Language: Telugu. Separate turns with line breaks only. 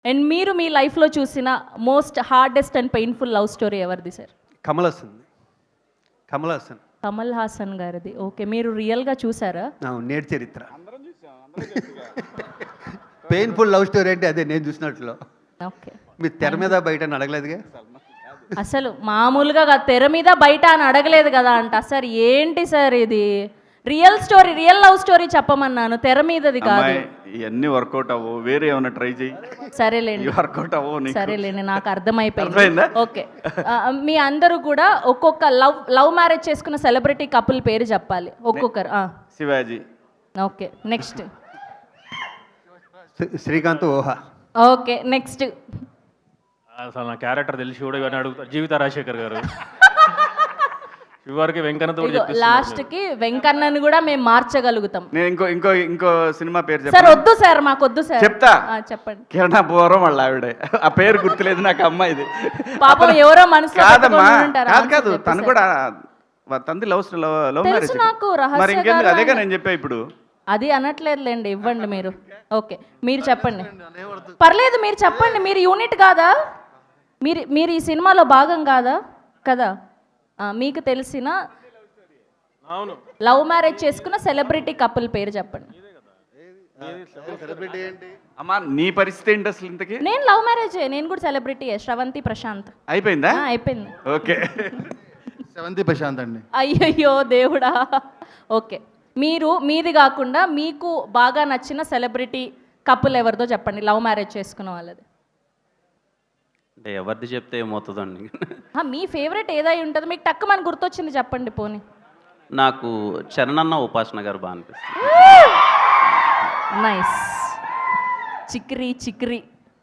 అండ్ మీరు మీ లైఫ్లో చూసిన most hardest and painful love story ఎవరిది సార్?
కమల్ హాసన్
కమల్ హాసన్ గారిది. ఓకే, మీరు రియల్గా చూసారా?
నేటి చరిత్ర. పెయిన్ఫుల్ లవ్ స్టోరీ అంటే అదే నేను చూసినట్లు.
ఓకే,
మీరు తెర మీద బయట అని అడగలేదుగా.
అసలు మామూలుగా తెర మీద బయట అని అడగలేదు కదా అంట. సార్ ఏంటి సార్ ఇది? Real story, real love story చెప్పమన్నాను, తెర మీదది కాదు.
ఇవన్నీ వర్కౌట్ అవ్వవు, వేరే ఏమైనా ట్రై చేయి.
సరేలేండి,
వర్కౌట్ అవ్వవు.
సరేలేండి, నాకు అర్థమైపోయింది. ఓకే, మీ అందరూ కూడా ఒక్కొక్క లవ్ మ్యారేజ్ చేసుకున్న సెలబ్రిటీ కపుల్ పేరు చెప్పాలి ఒక్కొక్కరు.
శివాజీ.
ఓకే, నెక్స్ట్
శ్రీకాంత్ ఓహా.
Okay, next.
అసలు నా క్యారెక్టర్ తెలిసి కూడా ఇవన్నీ అడుగుతా. జీవిత రాజశేఖర్ గారు. చివరికి వెంకన్నతో
లాస్ట్కి వెంకన్నని కూడా మేము మార్చగలుగుతాం.
నేను ఇంకో సినిమా పేరు
సార్ వద్దు సార్, మాకు వద్దు సార్.
చెప్తా,
చెప్పండి.
కిరణాపురం వాళ్ళ ఆవిడే. ఆ పేరు గుర్తులేదు నాకు, అమ్మాయిది.
పాపం ఎవరో మనసు
కాదమ్మా, కాదు తను కూడా తంది లవ్ మ్యారేజ్. మరి ఇంకెందుకు, అదేగా నేను చెప్పా ఇప్పుడు.
అది అనట్లేదులేండి, ఇవ్వండి మీరు. ఓకే, మీరు చెప్పండి. పర్లేదు, మీరు చెప్పండి. మీరు యూనిట్ కాదా? మీరు ఈ సినిమాలో భాగం కాదా? కదా. మీకు తెలిసిన లవ్ మ్యారేజ్ చేసుకున్న సెలబ్రిటీ కపుల్ పేరు చెప్పండి.
అమ్మా నీ పరిస్థితి ఏంటి అసలు ఇంతకి?
నేను లవ్ మ్యారేజ్, నేను కూడా సెలబ్రిటీ. శ్రవంతి ప్రశాంత్.
అయిపోయిందా?
అయిపోయింది.
ఓకే,
శ్రవంతి ప్రశాంత్ అండి.
అయ్యయ్యో దేవుడా. ఓకే, మీది కాకుండా మీకు బాగా నచ్చిన సెలబ్రిటీ కపుల్ ఎవరిదో చెప్పండి, లవ్ మ్యారేజ్ చేసుకున్న వాళ్ళది.
అంటే ఎవరిది చెప్తే ఏమవుతుందండి?
మీ ఫేవరెట్ ఏదై ఉంటుంది, మీకు టక్కు మనకు గుర్తొచ్చింది చెప్పండి పోనీ.
నాకు చరణన్న ఉపాసన గారు బాగా అనిపిస్తుంది.
నైస్. చిక్రీ